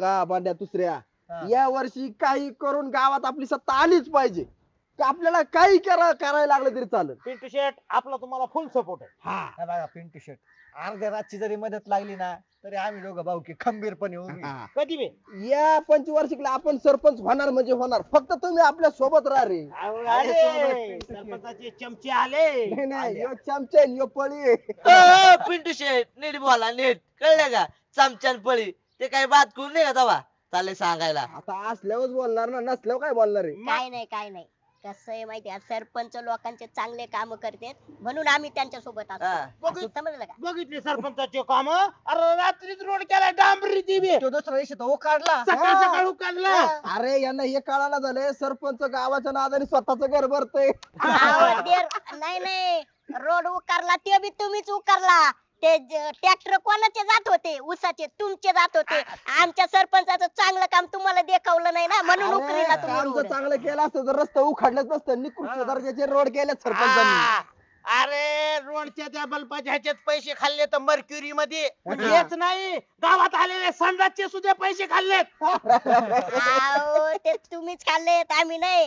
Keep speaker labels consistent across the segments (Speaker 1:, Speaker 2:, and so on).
Speaker 1: बघा बांड्या दुसऱ्या या वर्षी काही करून गावात आपली सत्ता आलीच पाहिजे. का आपल्याला काही करायला लागलं तरी चालेल.
Speaker 2: पिंटू शेट आपला तुम्हाला फुल सपोर्ट आहे.
Speaker 3: हा बघा पिंटू शेट अर्ध्या रातची जरी मदत लागली ना तरी आम्ही दोघं भाऊ की खंबीरपणे उभी.
Speaker 1: हा.
Speaker 2: कधी बी
Speaker 1: या पंचवार्षिकला आपण सरपंच होणार म्हणजे होणार. फक्त तुम्ही आपल्या सोबत राहा रे.
Speaker 2: अरे, सरपंचाचे चमचे आले.
Speaker 1: नाही नाही यो चमचा आहे, यो पळी आहे.
Speaker 4: पिंटू शेट नीट बोला नीट कळलं का चमच्यान पळी ते काही बात करून नाही का तवा चालले सांगायला.
Speaker 1: आता असल्यावरच बोलणार ना, नसल्यावर काय बोलणार आहे.
Speaker 5: काय नाही काय नाही कसं आहे माहितीये सरपंच लोकांचे चांगले काम करतात म्हणून आम्ही त्यांच्या सोबत
Speaker 4: हा.
Speaker 5: असतो समजलं का
Speaker 2: बघितले सरपंचाचे काम. अरे रात्रीच रोड केला डांबरी दिवे
Speaker 3: तो दुसऱ्या दिवशी तो काढला
Speaker 2: सकाळ सकाळ काढला.
Speaker 1: अरे यांना हे कळायला झालंय सरपंच गावाच्या नादाने स्वतःच घर भरतय.
Speaker 5: अहो, नाही नाही रोड उकारला ते बी तुम्हीच उकारला. ते ट्रॅक्टर कोणाचे जात होते ऊसाचे तुमचे जात होते. आमच्या सरपंचाचं चांगलं काम तुम्हाला देखावलं नाही ना म्हणून उकरीला तुम्ही
Speaker 1: काम जर
Speaker 5: रोड.
Speaker 1: चांगलं केलं असतं तर रस्ता उखाडलंच नसतं. निकृष्ट दर्जाचे रोड केले सरपंचांनी.
Speaker 2: आ, अरे रोडच्या त्या बल्बाच्या ह्याच्यात पैसे खाल्ले तर मर्क्युरी मध्ये हेच नाही गावात आलेले संडासचे सुद्धा पैसे खाल्लेत.
Speaker 5: अहो, ते तुम्हीच खाल्लेत आम्ही नाही.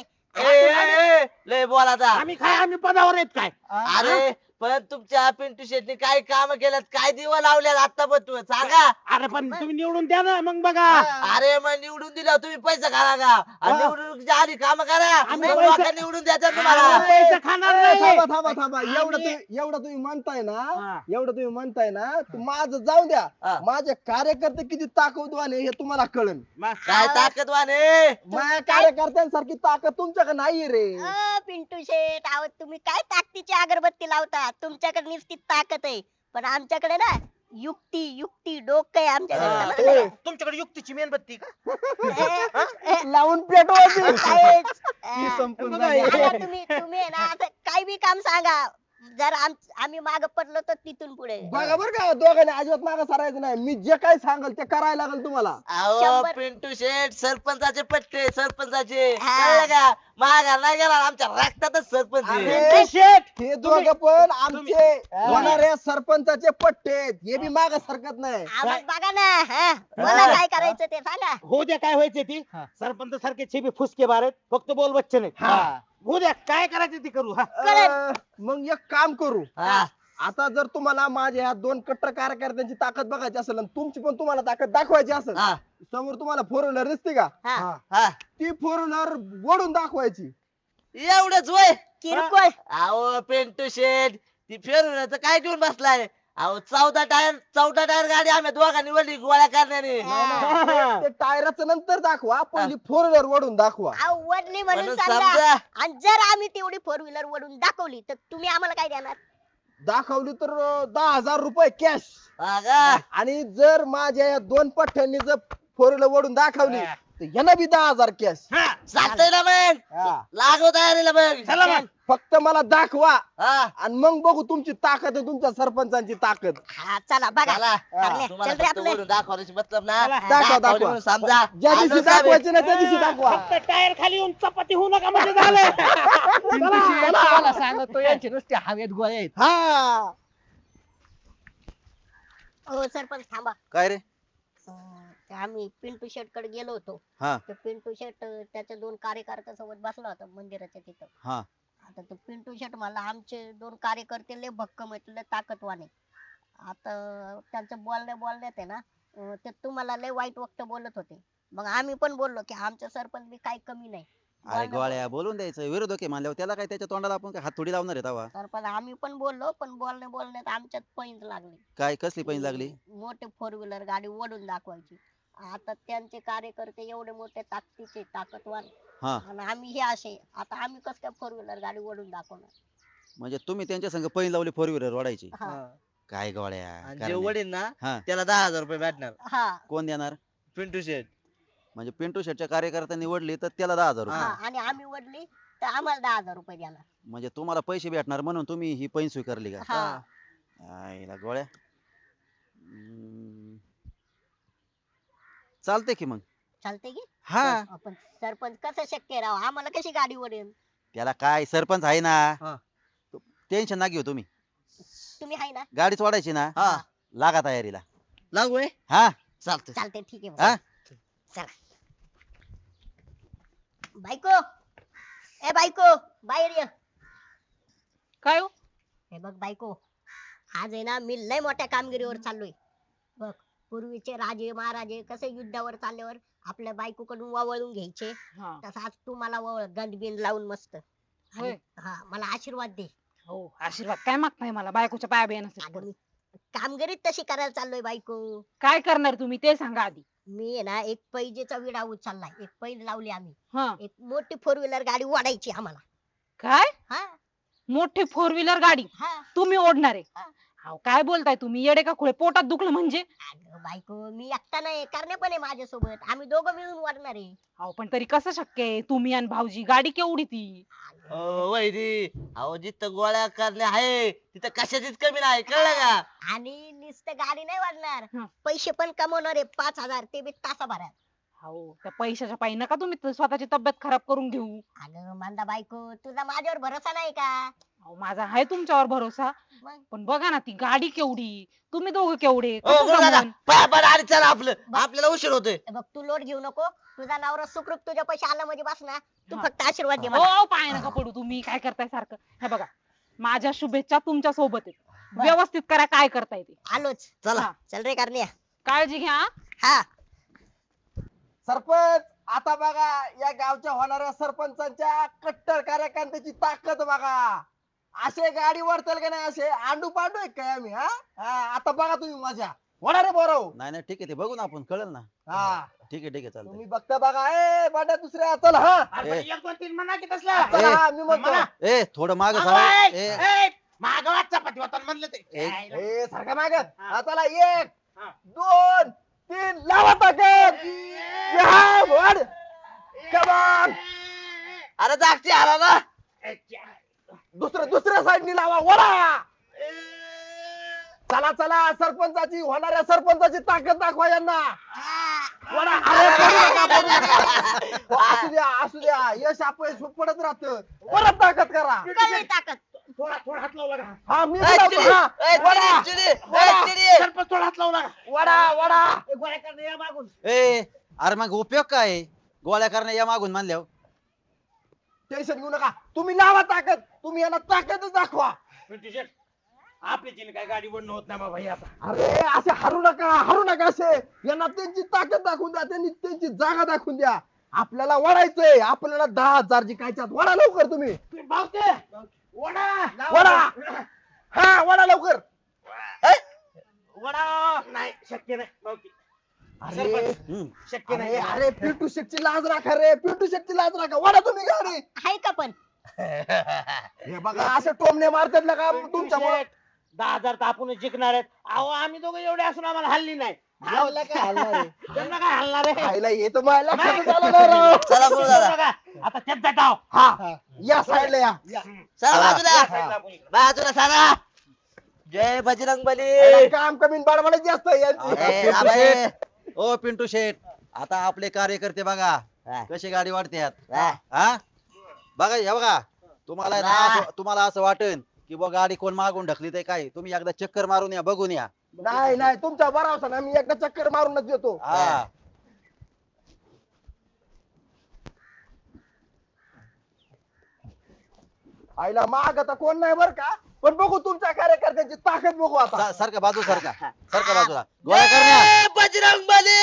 Speaker 4: लय बोला आता.
Speaker 2: आम्ही पदावर आहेत काय.
Speaker 4: अरे पण तुमच्या पिंटू शेटने काय काम केल्यात काय दिवा लावल्यात आता पण तुम्ही सांगा.
Speaker 2: अरे पण तुम्ही निवडून द्या ना मग बघा.
Speaker 4: अरे मग निवडून दिला तुम्ही पैसा खाला का आणि निवडून आधी काम करा
Speaker 2: आम्ही
Speaker 4: मग
Speaker 2: पैसे-
Speaker 4: लोकांना निवडून द्यायचं तुम्हाला.
Speaker 2: पैसे खाणार नाही.
Speaker 1: थांबा थांबा थांबा
Speaker 2: आम्ही-
Speaker 1: एवढं तुम्ही म्हणताय
Speaker 2: हा.
Speaker 1: ना, एवढं तुम्ही म्हणताय ना, तर माझं जाऊ द्या.
Speaker 4: हा.
Speaker 1: माझे कार्यकर्ते किती ताकदवान आहे हे तुम्हाला कळन.
Speaker 4: काय ताकदवान आहे.
Speaker 1: माझ्या कार्यकर्त्यांसारखी ताकद तुमच्याकडे नाहीये रे.
Speaker 5: पिंटू शेठ अहो तुम्ही काय ताकदीची अगरबत्ती लावता तुमच्याकडे नुसती ताकद आहे पण आमच्याकडे ना युक्ती युक्ती डोकं आहे आमच्याकडे समजलं
Speaker 1: होय.
Speaker 5: का?
Speaker 2: तुमच्याकडे युक्तीची मेणबत्ती का.
Speaker 1: लावून पेटवायची.
Speaker 5: काहीच,
Speaker 3: ती संपून
Speaker 2: बघा,
Speaker 3: जाईल.
Speaker 5: आता तुम्ही आहे ना आता काय बी काम सांगा जर आम्ही माग पडलो तर तिथून पुढे
Speaker 1: बघा बरं का दोघांनी अजिबात मागं सरायचं नाही. मी जे काही सांगल ते करायला लागेल तुम्हाला.
Speaker 4: अहो
Speaker 5: 100.
Speaker 4: पिंटू शेट सरपंचाचे पट्टे सरपंचाचे
Speaker 5: हा.
Speaker 4: कळलं का मागा नाही गेला आमच्या रक्तातच सरपंच आहे.
Speaker 1: अरे,
Speaker 2: शेट
Speaker 1: हे दोघं पण आमचे होणाऱ्या सरपंचाचे पट्टे आहेत. हे बी माग सरकत नाही.
Speaker 5: आवाज बघा ना हा मला काय करायचं ते सांगा
Speaker 2: हो द्या काय व्हायचे ती
Speaker 3: हा.
Speaker 2: सरपंच सारखे छेबी फुसके बारेत फक्त बोल बच्चे नाही.
Speaker 3: हा.
Speaker 2: हो द्या काय करायचं ती करू. हा
Speaker 1: मग एक काम करू.
Speaker 4: हा.
Speaker 1: आता जर तुम्हाला माझ्या ह्या दोन कट्टर कार्यकर्त्यांची ताकद बघायची असेल आणि तुमची पण तुम्हाला ताकद दाखवायची असेल,
Speaker 4: हा.
Speaker 1: समोर तुम्हाला फोर व्हीलर दिसते का,
Speaker 5: हा
Speaker 4: हा.
Speaker 1: ती फोर व्हीलर ओढून दाखवायची.
Speaker 4: एवढंच वय.
Speaker 5: किरकोळ
Speaker 4: अहो पिंटू शेट ती फिरवण्याचं काय घेऊन बसलाय. अहो 14 टायर गाडी आम्ही दोघांनी वडली गोळ्या करण्याने.
Speaker 1: ते टायराचं नंतर दाखवा, पहिली फोर व्हीलर ओढून दाखवा.
Speaker 5: आवडली म्हणून
Speaker 4: म्हणून
Speaker 5: समजा
Speaker 4: समजा.
Speaker 5: आणि जर आम्ही तेवढी फोर व्हीलर वडून दाखवली तर तुम्ही आम्हाला काय देणार
Speaker 1: दाखवली तर 10,000 रुपये कॅश.
Speaker 4: हा का?
Speaker 1: आणि जर माझ्या या दोन पठ्ठ्यांनी जर फोर व्हीलर ओढून दाखवली तर यांना बी 10,000 कॅश.
Speaker 4: चालतंय ना मग लागव तयारीला मग.
Speaker 2: चला मग.
Speaker 1: फक्त मला दाखवा
Speaker 4: हा.
Speaker 1: आणि मग बघू तुमची ताकद आहे, तुमच्या सरपंचांची ताकद.
Speaker 5: हा चला बघा
Speaker 4: चला.
Speaker 5: करण्या,
Speaker 4: तुम्हाला
Speaker 5: चल रे
Speaker 4: फक्त
Speaker 5: आपलं.
Speaker 4: वरून दाखवायची मतलब ना
Speaker 1: दाखवा,
Speaker 4: दाखवली
Speaker 1: दाखवा.
Speaker 4: म्हणून समजा.
Speaker 1: ज्या दिवशी
Speaker 4: आलो साहेब.
Speaker 1: दाखवायची ना त्या दिवशी दाखवा.
Speaker 2: फक्त टायर खाली येऊन चपाती होऊ नका म्हणजे झालं.
Speaker 3: पिंटू शेट तुम्हाला सांगतो यांचे नुसते हवेत गोळे आहेत.
Speaker 1: हा
Speaker 5: हो सरपंच थांबा
Speaker 6: काय रे
Speaker 5: ते आम्ही पिंटू शेट कडे गेलो होतो
Speaker 6: हा.
Speaker 5: तर पिंटू शेट त्याच्या दोन कार्यकर्त्यासोबत बसला होता मंदिराच्या तिथं.
Speaker 6: हा
Speaker 5: आता तो पिंटू शेट मला आमचे दोन कार्यकर्ते लय भक्कम आहेत लय ताकदवान आहे. आता त्यांचं बोलण्यात आहे ना ते तुम्हाला लय वाईट वक्त बोलत होते. मग आम्ही पण बोललो की आमच्या सरपंच बी काही कमी नाही.
Speaker 6: अरे गोळ्या बोलून द्यायचं विरोधक आहे मानल्यावर त्याला काय त्याच्या तोंडाला आपण काय हात थोडी लावणार आहे तवा.
Speaker 5: सरपंच आम्ही पण बोललो पण बोलण्यात आमच्यात पैंज लागली.
Speaker 6: काय कसली पैन लागली.
Speaker 5: मोठे फोर व्हीलर गाडी ओढून दाखवायची. आता त्यांचे कार्यकर्ते एवढे मोठे ताकदीचे ताकदवान
Speaker 6: हा
Speaker 5: आणि आम्ही हे असे आता आम्ही कस काय फोर व्हीलर गाडी ओढून दाखवणार.
Speaker 6: म्हणजे तुम्ही त्यांच्या संग पैन लावली फोर व्हीलर ओढायची.
Speaker 5: हा
Speaker 6: काय गोळ्या
Speaker 4: आणि जे
Speaker 6: कारण नाही.
Speaker 4: वडील ना
Speaker 6: हा
Speaker 4: त्याला 10,000 रुपये भेटणार.
Speaker 5: हा
Speaker 6: कोण देणार.
Speaker 4: पिंटू शेट.
Speaker 6: म्हणजे पिंटू शेटच्या कार्यकर्त्यांनी वडली तर त्याला 10,000
Speaker 5: हा
Speaker 6: रुपये.
Speaker 5: आणि आम्ही वडली तर आम्हाला 10,000 रुपये देणार.
Speaker 6: म्हणजे तुम्हाला पैसे भेटणार म्हणून तुम्ही ही पैन स्वीकारली का.
Speaker 5: हा
Speaker 6: आईला गोळ्या चालते की मग.
Speaker 5: चालते की
Speaker 6: हा
Speaker 5: आपण सरपंच कसं शक्य राव आम्हाला कशी गाडी ओढेल.
Speaker 6: त्याला काय सरपंच आहे ना.
Speaker 4: हा.
Speaker 6: टेन्शन ना घेऊ तुम्ही.
Speaker 5: तुम्ही आहे ना
Speaker 6: गाडीच वाढायची ना.
Speaker 4: हा
Speaker 6: लागा तयारीला.
Speaker 4: लागू आहे.
Speaker 6: हा
Speaker 4: चालतंय.
Speaker 5: चालते ठीक आहे
Speaker 6: हा
Speaker 5: मग. बायको, ए बायको, बाहेर ये.
Speaker 7: काय हो?
Speaker 5: हे बघ बायको, आज आहे ना मी लय मोठ्या कामगिरीवर चाललोय. बघ, पूर्वीचे राजे महाराजे कसे युद्धावर चालल्यावर आपल्या बायकोकडून वळून घ्यायचे,
Speaker 7: हा.
Speaker 5: तसं आज तू मला गंडबिन लावून मस्त.
Speaker 7: होय.
Speaker 5: हा, मला आशीर्वाद दे.
Speaker 7: हो, आशीर्वाद काय मागताय मला बायकोच्या पाया
Speaker 5: अगं
Speaker 7: बियाण्यासाठी?
Speaker 5: मी कामगिरीत तशी करायला चाललोय बायको.
Speaker 7: काय करणार तुम्ही ते सांगा आधी.
Speaker 5: मी आहे ना एक पैजेचा विडा उचललाय, एक पैज लावली आम्ही.
Speaker 7: हा.
Speaker 5: एक मोठी 4 व्हीलर गाडी ओढायची आम्हाला.
Speaker 7: काय?
Speaker 5: हा
Speaker 7: मोठी 4 व्हीलर गाडी
Speaker 5: हा.
Speaker 7: तुम्ही ओढणार आहे?
Speaker 5: हा.
Speaker 7: अहो, काय बोलताय तुम्ही? येडे का खुळे? पोटात दुखलं म्हणजे?
Speaker 5: अगं बायको, मी एकटा नाही, करणे पण आहे माझ्यासोबत, आम्ही दोघं मिळून वाढणार आहे.
Speaker 7: अहो, पण तरी कसं शक्य आहे? तुम्ही आणि भाऊजी, गाडी केवढी ती?
Speaker 4: वैरी अहो जिथं गोळ्या करण्या आहे तिथं कशाचीच कमी नाही, कळलं का?
Speaker 5: आणि नुसतं गाडी नाही वाढणार,
Speaker 7: हा.
Speaker 5: पैसे पण कमवणार आहे 5,000, ते बी तासाभरात.
Speaker 7: अहो, त्या पैशाच्या पायी नका तुम्ही स्वतःची तब्येत खराब करून घेऊ.
Speaker 5: अगं मांदा बायको, तुझा माझ्यावर भरोसा नाही का?
Speaker 7: अहो, माझा आहे तुमच्यावर भरोसा,
Speaker 5: मग
Speaker 7: पण बघा ना ती गाडी केवढी, तुम्ही दोघं केवढे,
Speaker 4: हो,
Speaker 7: कसं
Speaker 4: बोला का?
Speaker 7: जमन?
Speaker 4: पळा आणि चला, आपल्याला उशीर होतोय.
Speaker 5: हे बघ, तू लोड घेऊ नको, तुझा नवरा सुखरूप तुझ्या पैसे आला म्हणजे बस ना. तू
Speaker 7: हा.
Speaker 5: फक्त आशीर्वाद दे
Speaker 7: हो,
Speaker 5: मला.
Speaker 7: पाय नका पडू, तुम्ही काय करताय सारखं? हे बघा, माझ्या शुभेच्छा तुमच्या सोबत आहेत.
Speaker 5: बर.
Speaker 7: व्यवस्थित करा काय करताय ते.
Speaker 5: आलोच.
Speaker 4: चला.
Speaker 7: हा.
Speaker 5: चल रे करण्या.
Speaker 7: काळजी घ्या.
Speaker 5: हा.
Speaker 1: सरपंच, आता बघा या गावच्या होणाऱ्या सरपंचांच्या कट्टर कार्यकर्त्याची ताकद बघा. असे गाडी वरतील का नाही, असे आंडू पांडू आहे काय आम्ही? हा हा, आता बघा तुम्ही मजा होणार आहे बरोबर.
Speaker 6: नाही नाही ठीक आहे, ते बघू ना आपण, कळेल ना.
Speaker 1: हा,
Speaker 6: ठीक आहे चालतंय.
Speaker 1: तुम्ही बघता बघा. ए बाड्या दुसऱ्या, चल. हा
Speaker 2: अरे पण
Speaker 6: ए.
Speaker 2: 1 2 3 म्हणा की तसला.
Speaker 1: चल, हा मी म्हणतो.
Speaker 2: म्हणा.
Speaker 6: ए थोडं माग
Speaker 2: मागवाय.
Speaker 6: ए
Speaker 2: ए, मागवा चपाती होता म्हणलं ते.
Speaker 6: एक.
Speaker 1: ए सारखा माग.
Speaker 2: हा.
Speaker 1: हा, चला 1
Speaker 2: हा.
Speaker 1: 2 3 लावा ताकद. या, वाढ. Come on.
Speaker 4: अरे जागती आला ना.
Speaker 1: दुसऱ्या साईडनी लावा, वळा. चला चला, सरपंचाची होणाऱ्या सरपंचाची ताकद दाखवा यांना. वळा. अरे, पडू नका, पडू नका. हो, असू द्या यश अपयश पडत राहत. परत ताकद करा.
Speaker 5: कमी ताकद.
Speaker 2: थोडा हात लावला का?
Speaker 1: हा मी
Speaker 4: ए,
Speaker 1: लावतो.
Speaker 4: चिडी,
Speaker 1: हा,
Speaker 4: ए,
Speaker 1: वळा.
Speaker 4: चिडी, चिडी, ए, चिडी.
Speaker 2: सरपंच थोडा हात लावला का?
Speaker 1: वळा.
Speaker 2: ए, गोळ्या करणे या मागून.
Speaker 6: ए अरे मग उपयोग काय आहे? गोळ्या करण्या या मागून मानल्यावर.
Speaker 1: टेन्शन घेऊ नका, तुम्ही लावा ताकद. तुम्ही यांना ताकदच दाखवा.
Speaker 2: पिंटू शेट, आपली जिने काय गाडी बनणं होत नाही बाबा हे आता.
Speaker 1: अरे असे हरू नका असे. यांना त्यांची ताकद दाखवून द्या, त्यांनी त्यांची जागा दाखवून द्या. आपल्याला वडायचंय, आपल्याला 10,000 जिंकायच्यात. वडा लवकर तुम्ही.
Speaker 2: तुम्ही भावते वडा
Speaker 1: वडा. हा, वडा लवकर.
Speaker 2: वडा नाही शक्य नाही भावकी.
Speaker 1: अरे
Speaker 6: हम्म.
Speaker 2: शक्य नाही.
Speaker 1: अरे पिंटू शेटची लाज राखा रे, पिंटू शेटची लाज राखा. वडा तुम्ही गाडी.
Speaker 5: आहे का पण?
Speaker 1: हे बघा असे टोमणे मारतात ना का तुमच्यामुळे.
Speaker 2: 10,000 तर आपणच जिंकणार आहेत. अहो आम्ही दोघं एवढे असून आम्हाला हल्ली नाही.
Speaker 1: यावला काय हलणार आहे?
Speaker 2: त्यांना काय हलणार आहे?
Speaker 1: खायला येत मला लक्षातच आलं नाही राव.
Speaker 4: चला बोल दादा.
Speaker 2: बघा, आता त्यात जाटाव.
Speaker 1: हा, या साईडला या.
Speaker 4: चला बाजूला,
Speaker 1: हा.
Speaker 4: बाजूला सारा. जय बजरंग बली.
Speaker 1: याला काम कमी बडबडच जास्त आहे यांची.
Speaker 4: ए, राबाई.
Speaker 6: ओ पिंटू शेठ, आता आपले कार्यकर्ते बघा
Speaker 4: हा.
Speaker 6: कशी गाडी वाढतात.
Speaker 4: हा.
Speaker 6: हा बघा, हे बघा, तुम्हाला आहे ना
Speaker 4: हा.
Speaker 6: तुम्हाला असं वाटेल की बघ गाडी कोण मागून ढकली ते काय, तुम्ही एकदा चक्कर मारून या, बघून या.
Speaker 1: नाही तुमचा भरावसा ना, मी एकदा चक्कर मारूनच देतो.
Speaker 6: हा
Speaker 1: आईला माग आता कोण नाही बर का, पण बघू तुमच्या कार्यकर्त्यांची ताकद बघू आता.
Speaker 6: सारखा बाजू सारखा बाजूला गोळ्या करण्या.
Speaker 4: ए, बजरंग बली.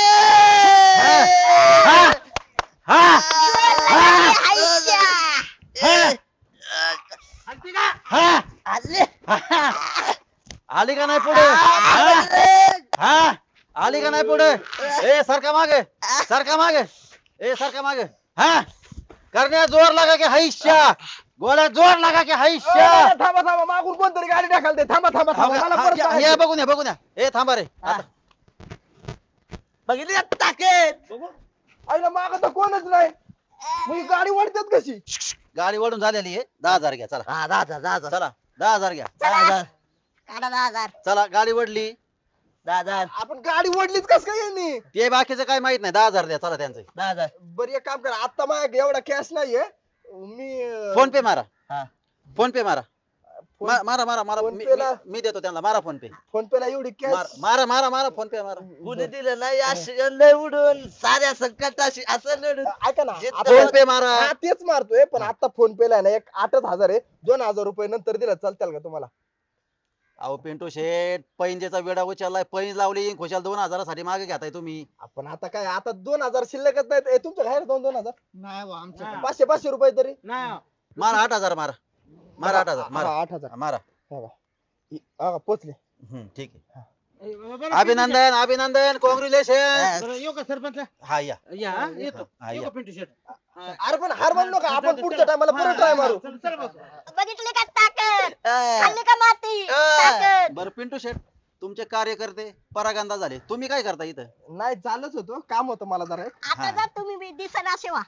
Speaker 2: हलती का?
Speaker 4: आले.
Speaker 6: आली का नाही पुढे? हा आली का नाही पुढे? ए सारखा मागे, सारखा मागे, ए सारखा मागे. हा करण्या जोर लागा की हैश्या, गोळ्या जोर लागा की हैश्या.
Speaker 1: थांबा मागून कोणतरी गाडी ढकलते. थांबा मला परत
Speaker 6: या
Speaker 1: सांगायचं.
Speaker 6: बघून या. ए थांबा रे आता.
Speaker 4: बघितली का ताकद?
Speaker 2: बघू.
Speaker 1: आईला माग तर कोणच नाही, मग ही गाडी वळतात कशी?
Speaker 6: गाडी वळून झालेली आहे. 10,000 घ्या चला.
Speaker 4: हा, 10,000.
Speaker 6: चला 10,000 घ्या.
Speaker 4: 10,000.
Speaker 5: काढा 10,000.
Speaker 6: चला गाडी वडली.
Speaker 4: 10,000.
Speaker 1: आपण गाडी वडलीच कस काय यांनी?
Speaker 6: ते बाकीचं काय माहित नाही. 10,000 द्या चला त्यांचं.
Speaker 4: 10,000.
Speaker 1: बरं एक काम करा, आता माझ्या एवढा कॅश नाहीये. मी
Speaker 6: फोन पे मारा.
Speaker 4: हा.
Speaker 6: फोन पे मारा. मारा मारा मारा
Speaker 1: फोन पे ला.
Speaker 6: मी देतो त्यांना मारा फोन पे
Speaker 1: फोन पे ला एवढी कॅश
Speaker 6: मारा मारा मारा फोन पे मारा
Speaker 4: कुणी दिलं नाही अशी लय उडून साऱ्या संकटाशी असं लढून
Speaker 1: ऐका ना
Speaker 4: जिद्द
Speaker 1: आता-
Speaker 6: फोन पे मारा
Speaker 1: हा तेच मारतोय पण आता फोन पे ला आहे ना एक 8,000 आहे 2,000 रुपये नंतर दिला चालतील का तुम्हाला
Speaker 6: अहो पिंटू शेठ पैंजेचा वेडा उचललाय पैंज लावली खुशाल 2,000 साठी मागे घेताय तुम्ही
Speaker 1: आपण आता काय आता 2,000 शिल्लकच नाहीत ए, तुमच्या काय 2,000
Speaker 3: नाही बुवा, आमचं
Speaker 2: हा.
Speaker 1: 500 रुपये तरी
Speaker 2: नाही
Speaker 6: मारा 8,000 मारा मारा 8,000 मारा
Speaker 1: 8,000
Speaker 6: मारा
Speaker 1: पोचले
Speaker 6: ठीक आहे
Speaker 2: बरं,
Speaker 6: अभिनंदन अभिनंदन कॉंग्रॅच्युलेशन
Speaker 2: बरं, येऊ का सरपंच
Speaker 6: हा या
Speaker 2: या हा, येतो
Speaker 6: हा,
Speaker 2: येऊ
Speaker 6: या.
Speaker 2: का पिंटू शेट
Speaker 1: अरे पण हार मानू नका आपण पुढच्या टायमाला परत ट्राय मारू
Speaker 2: चल बस
Speaker 5: बघितले का ताकद
Speaker 4: अं,
Speaker 5: खाल्ली का माती ताकद
Speaker 6: बरं पिंटू शेठ तुमचे कार्यकर्ते परागंदा झाले तुम्ही काय करता इथं
Speaker 1: नाही चालच होतो काम होतं मला जरा एक.
Speaker 5: आता जर तुम्ही बी दिसना असे व्हा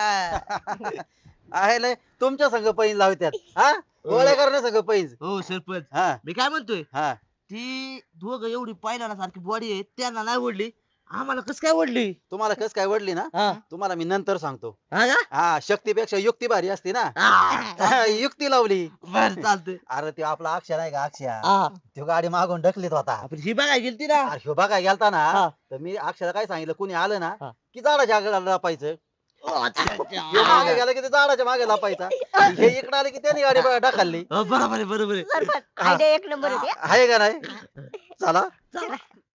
Speaker 6: आहे लय तुमच्या संघ पैंज लावत्यात हा गोळ्या करण्या संघ पैंज
Speaker 4: हो सरपंच
Speaker 6: हा
Speaker 4: मी काय म्हणतोय
Speaker 6: हा
Speaker 4: ती दोघं एवढी पायला सारखी बॉडी आहे त्यांना नाही ओढली आम्हाला कस काय ओढली
Speaker 6: तुम्हाला कस काय वडली ना
Speaker 4: हा
Speaker 6: तुम्हाला मी नंतर सांगतो
Speaker 4: हा का?
Speaker 6: हा शक्तीपेक्षा युक्ती भारी असते ना
Speaker 4: हा,
Speaker 6: युक्ती लावली
Speaker 4: बरं चालतंय
Speaker 6: अरे ते आपला अक्षर आहे का अक्षर
Speaker 4: हा
Speaker 6: तो गाडी मागून ढकलीत होता
Speaker 4: आपण ही बघायला गेलती ना
Speaker 6: अरे ह्यो बघाय गेलता ना
Speaker 4: हा.
Speaker 6: तर मी अक्षरा काय सांगितलं कुणी आलं ना
Speaker 4: हा.
Speaker 6: की झाडाच्या आगे लपायचं
Speaker 4: ओ, अच्छा, अच्छा.
Speaker 6: ह्यो मागे गेला की ते झाडाच्या मागे लपायचा हे इकडे आले की त्याने गाडी ढकलली
Speaker 4: हो, बरोबर आहे बरोबर आहे
Speaker 5: सरपंच आयडिया एक नंबर आहे
Speaker 6: आहे का नाही चला
Speaker 5: चला